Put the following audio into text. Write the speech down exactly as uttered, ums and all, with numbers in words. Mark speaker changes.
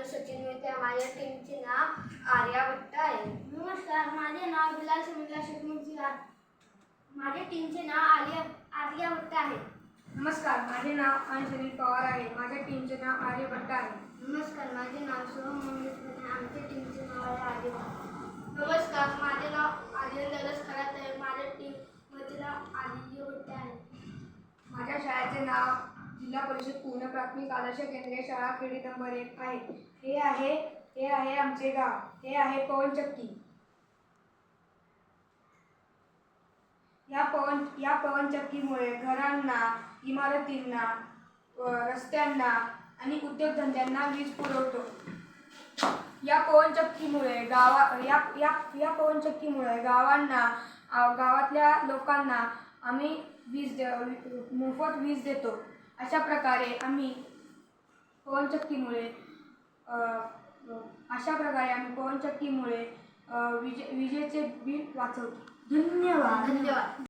Speaker 1: सचिन मेहते. माझ्या टीमचे नाव आर्या भट्ट आहे.
Speaker 2: नमस्कार, माझे नाव बिलाल समीला शेख मुंशीराज. माझ्या टीमचे नाव आर्या आर्या भट्ट आहे.
Speaker 3: नमस्कार, माझे नाव अंजली पवार आहे. माझ्या टीमचे नाव आर्य भट्ट आहे.
Speaker 1: नमस्कार, माझे नाव सोहम मंगेश आहे. आमच्या टीमचे नाव आहे आर्य भट्ट.
Speaker 2: नमस्कार, माझे नाव आर्यन दरस खरात आहे. माझ्या टीमचे नाव आर्य भट्ट आहे.
Speaker 3: माझ्या शाळेचे नाव जिल्हा परिषद पूर्ण प्राथमिक आदर्श केंद्रीय शाळा खेडी नंबर एक आहे. हे आहे हे आहे आमचे गाव. हे आहे पवनचक्की. या पवन या पवनचक्कीमुळे घरांना, इमारतींना, रस्त्यांना आणि उद्योगधंद्यांना वीज पुरवतो. या पवनचक्कीमुळे गावा या या या पवनचक्कीमुळे गावांना गावातल्या लोकांना आम्ही वीज मोफत वीज देतो. अशा प्रकारे आम्ही पवनचक्कीमुळे अशा प्रकारे आम्ही पवनचक्कीमुळे विजे विजेचे बिल वाचवतो. धन्यवाद.
Speaker 1: धन्यवाद.